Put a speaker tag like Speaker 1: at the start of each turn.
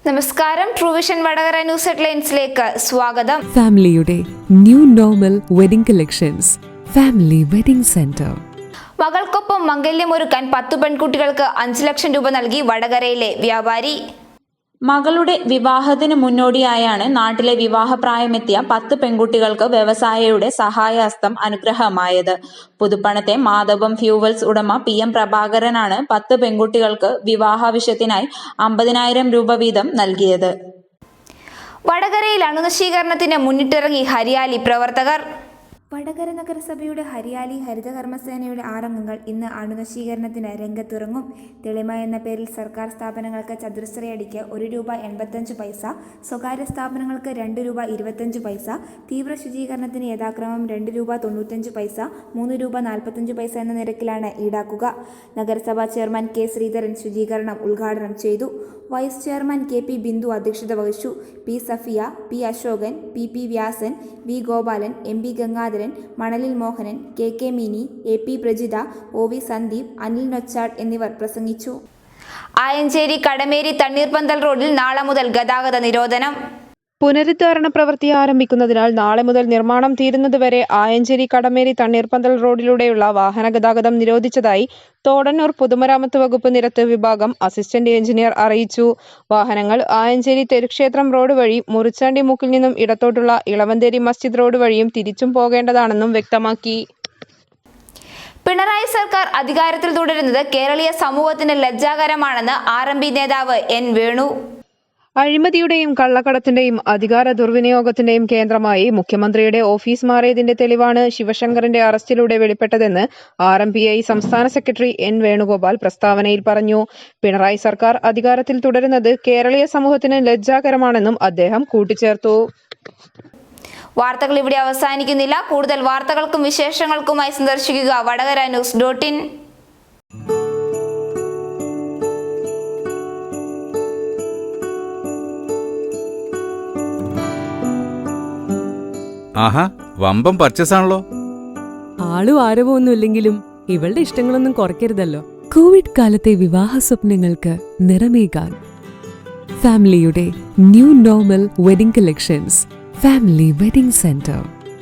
Speaker 1: നമസ്കാരം, ട്രൂവിഷൻ വടകര ന്യൂസ് ഹെഡ്ലൈൻസിലേക്ക് സ്വാഗതം.
Speaker 2: ഫാമിലിയുടെ new normal wedding collections, family wedding centre.
Speaker 1: മകൾക്കൊപ്പം മംഗല്യമൊരുക്കാൻ 10 പെൺകുട്ടികൾക്ക് 5 ലക്ഷം രൂപ നൽകി വടകരയിലെ വ്യാപാരി.
Speaker 3: മകളുടെ വിവാഹത്തിന് മുന്നോടിയായാണ് നാട്ടിലെ വിവാഹപ്രായമെത്തിയ 10 പെൺകുട്ടികൾക്ക് വ്യവസായിയുടെ സഹായഹസ്തം അനുഗ്രഹമായത്. പുതുപ്പണത്തെ മാധവം ഫ്യൂവൽസ് ഉടമ PM പ്രഭാകരനാണ് 10 പെൺകുട്ടികൾക്ക് വിവാഹാവശ്യത്തിനായി 50,000 രൂപ വീതം നൽകിയത്.
Speaker 1: വടകരയിൽ അണുനശീകരണത്തിന് മുന്നിട്ടിറങ്ങി ഹരിയാലി പ്രവർത്തകർ.
Speaker 4: വടകര നഗരസഭയുടെ ഹരിയാലി ഹരിതകർമ്മസേനയുടെ 6 അംഗങ്ങൾ ഇന്ന് അണുനശീകരണത്തിന് രംഗത്തിറങ്ങും. തെളിമ എന്ന പേരിൽ സർക്കാർ സ്ഥാപനങ്ങൾക്ക് ചതുരശ്രയടിക്ക് ₹1.85, സ്വകാര്യ സ്ഥാപനങ്ങൾക്ക് ₹2.25, തീവ്ര ശുചീകരണത്തിന് യഥാക്രമം ₹2.95, ₹3.45 എന്ന നിരക്കിലാണ് ഈടാക്കുക. നഗരസഭാ ചെയർമാൻ K. ശ്രീധരൻ ശുചീകരണം ഉദ്ഘാടനം ചെയ്തു. വൈസ് ചെയർമാൻ KP ബിന്ദു അധ്യക്ഷത വഹിച്ചു. P. Safiya, P. Ashokan, PP Vyasan, V. Gopalan, MP Gangadharan, Manalil Mohanan, KK Mini, AP Prajitha, OV Sandeep, Anil Nochad എന്നിവർ പ്രസംഗിച്ചു.
Speaker 1: ആയഞ്ചേരി കടമേരി തണ്ണീർപന്തൽ റോഡിൽ നാളെ മുതൽ ഗതാഗത നിരോധനം.
Speaker 5: പുനരുദ്ധാരണ പ്രവൃത്തി ആരംഭിക്കുന്നതിനാൽ നാളെ മുതൽ നിർമ്മാണം തീരുന്നതുവരെ ആയഞ്ചേരി കടമേരി തണ്ണീർപന്തൽ റോഡിലൂടെയുള്ള വാഹന ഗതാഗതം നിരോധിച്ചതായി തോടന്നൂർ പൊതുമരാമത്ത് വകുപ്പ് നിരത്ത് വിഭാഗം അസിസ്റ്റന്റ് എഞ്ചിനീയർ അറിയിച്ചു. വാഹനങ്ങൾ ആയഞ്ചേരി തെരുക്ഷേത്രം റോഡ് വഴി മുറിച്ചാണ്ടി മുക്കിൽ നിന്നും ഇടത്തോട്ടുള്ള ഇളവന്തേരി മസ്ജിദ് റോഡ് വഴിയും തിരിച്ചും പോകേണ്ടതാണെന്നും വ്യക്തമാക്കി.
Speaker 1: പിണറായി സർക്കാർ അധികാരത്തിൽ തുടരുന്നത് കേരളീയ സമൂഹത്തിന് ലജ്ജാകരമാണെന്ന് RMP നേതാവ് N. വേണു.
Speaker 5: അഴിമതിയുടെയും കള്ളക്കടത്തിന്റെയും അധികാര ദുർവിനിയോഗത്തിന്റെയും കേന്ദ്രമായി മുഖ്യമന്ത്രിയുടെ ഓഫീസ് മാറിയതിന്റെ തെളിവാണ് ശിവശങ്കറിന്റെ അറസ്റ്റിലൂടെ വെളിപ്പെട്ടതെന്ന് RMPI സംസ്ഥാന സെക്രട്ടറി N. വേണുഗോപാൽ പ്രസ്താവനയിൽ പറഞ്ഞു. പിണറായി സർക്കാർ അധികാരത്തിൽ തുടരുന്നത് കേരളീയ സമൂഹത്തിന് ലജ്ജാകരമാണെന്നും അദ്ദേഹം കൂട്ടിച്ചേർത്തു.
Speaker 1: വാർത്തകൾ ഇവിടെ അവസാനിക്കുന്നില്ല. കൂടുതൽ വാർത്തകൾക്കും വിശേഷങ്ങൾക്കുമായി സന്ദർശിക്കുക വടകരnews.in.
Speaker 6: ആഹാ, വമ്പം പർച്ചേസ് ആണല്ലോ.
Speaker 2: ആളും ആരവോ ഒന്നുമില്ലെങ്കിലും ഇവളുടെ ഇഷ്ടങ്ങളൊന്നും കുറയ്ക്കരുതല്ലോ. കോവിഡ് കാലത്തെ വിവാഹ സ്വപ്നങ്ങൾക്ക് നിറമേകാൻ ഫാമിലിയുടെ new normal wedding collections, family wedding centre.